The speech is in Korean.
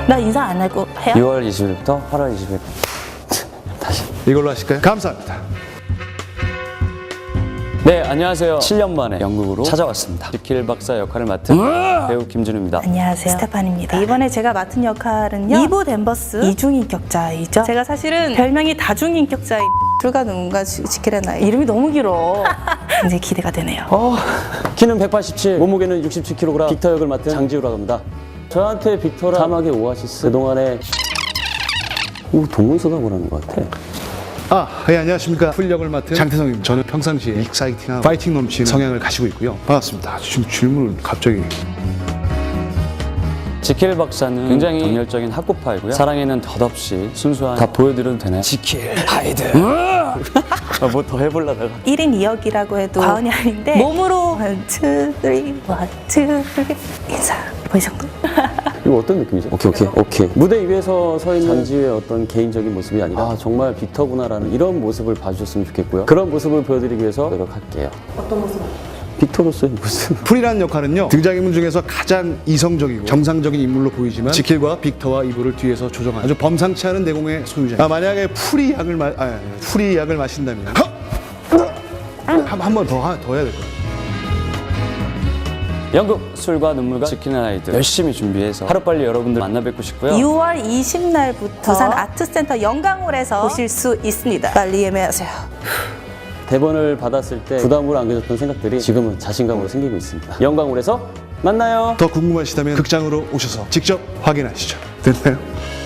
나 인사 안 하고 해요? 6월 20일부터 8월 20일 다시. 이걸로 하실까요? 감사합니다. 네, 안녕하세요. 7년 만에 영국으로 찾아왔습니다. 지킬 박사 역할을 맡은 배우 김준우입니다. 안녕하세요, 스테판입니다. 이번에 제가 맡은 역할은요, 이보 댄버스 이중인격자이죠. 제가 사실은 별명이 다중인격자인 불과 누군가 지킬의 나이. 이름이 너무 길어. 굉장히 기대가 되네요. 키는 187, 몸무게는 67kg, 빅터 역을 맡은 장지우라고 합니다. 저한테 빅터라 사막의 오아시스, 그동안에 동문서답을 것 같아. 예, 안녕하십니까. 풀역을 맡은 장태성입니다. 저는 평상시에 익사이팅하고 파이팅 넘치는 성향을 가지고 있고요. 반갑습니다. 지금 질문을 갑자기. 지킬 박사는 굉장히 정열적인 학구파이고요. 사랑에는 덧없이 순수한. 다 보여드려도 되나요? 지킬 하이드. 뭐 더 해보려다가 1인 2역이라고 해도 과언이 아닌데 몸으로 1, 2, 3, 1, 2, 3 인사. 뭐 이 정도? 이거 어떤 느낌이죠? 오케이. 무대 위에서 서 있는 장지우의 어떤 개인적인 모습이 아니라 정말 빅터구나라는 이런 모습을 봐주셨으면 좋겠고요. 그런 모습을 보여드리기 위해서 노력할게요. 어떤 모습? 빅터로서의 모습. 풀이라는 역할은요, 등장인물 중에서 가장 이성적이고 정상적인 인물로 보이지만 지킬과 빅터와 이보를 뒤에서 조정하는 아주 범상치 않은 내공의 소유자. 만약에 풀이 약을 마신다면 한 번 더 해야 될 거예요. 연극 술과 눈물과 지키는 아이들 열심히 준비해서 하루빨리 여러분들 만나 뵙고 싶고요. 6월 20날부터 부산 아트센터 영광홀에서 보실 수 있습니다. 빨리 예매하세요. 대본을 받았을 때 부담으로 안겨졌던 생각들이 지금은 자신감으로 생기고 있습니다. 영광홀에서 만나요. 더 궁금하시다면 극장으로 오셔서 직접 확인하시죠. 됐나요?